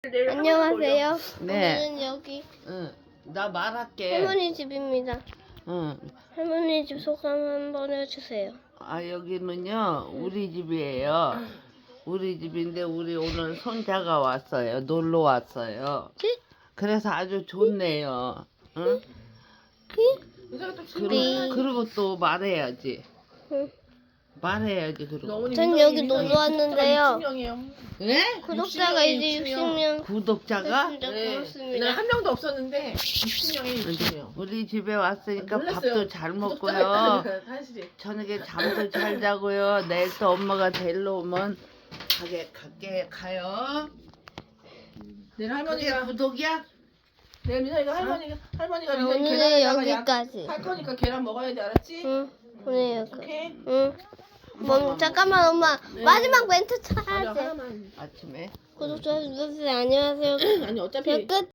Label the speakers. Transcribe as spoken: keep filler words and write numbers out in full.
Speaker 1: 안녕하세요.
Speaker 2: 네.
Speaker 1: 오늘은 여기
Speaker 2: 응, 나 말할게.
Speaker 1: 할머니 집입니다.
Speaker 2: 응.
Speaker 1: 할머니 집 소감 한번 해주세요.
Speaker 2: 아, 여기는요, 우리 집이에요. 우리 집인데, 우리 오늘 손자가 왔어요. 놀러 왔어요. 그래서 아주 좋네요. 응? 그리고, 그리고 또 말해야지.
Speaker 1: 응.
Speaker 2: 말해야지, 그리고.
Speaker 1: 전 여기 놀러 왔는데요.
Speaker 2: 네?
Speaker 1: 구독자가 이제 육십 명
Speaker 2: 구독자가?
Speaker 1: 됐습니다.
Speaker 3: 네.
Speaker 1: 고맙습니다.
Speaker 3: 한 명도 없었는데 육십 명에 육십 명.
Speaker 2: 우리 집에 왔으니까
Speaker 3: 몰랐어요.
Speaker 2: 밥도 잘 먹고요.
Speaker 3: 구독자가 사실이.
Speaker 2: 저녁에 잠도 잘 자고요. 내일 또 엄마가 데리러 오면 가게 갈게 가요.
Speaker 3: 내일
Speaker 2: 그게
Speaker 3: 할머니가
Speaker 2: 구독이야?
Speaker 3: 내일 미선이가 할머니가 할머니가 미선이
Speaker 1: 오늘은
Speaker 3: 계란에다가 약
Speaker 1: 여기까지.
Speaker 3: 할 거니까 계란 먹어야 돼, 알았지?
Speaker 1: 응. 오늘 여기.
Speaker 3: 오케이.
Speaker 1: 응. 뭐 잠깐만 엄마
Speaker 3: 네.
Speaker 1: 마지막 멘트
Speaker 3: 맞아,
Speaker 1: 쳐야지.
Speaker 3: 하나만.
Speaker 2: 아침에.
Speaker 1: 구독자 눌러주세요. 안녕하세요.
Speaker 3: 아니 어차피
Speaker 1: 끝.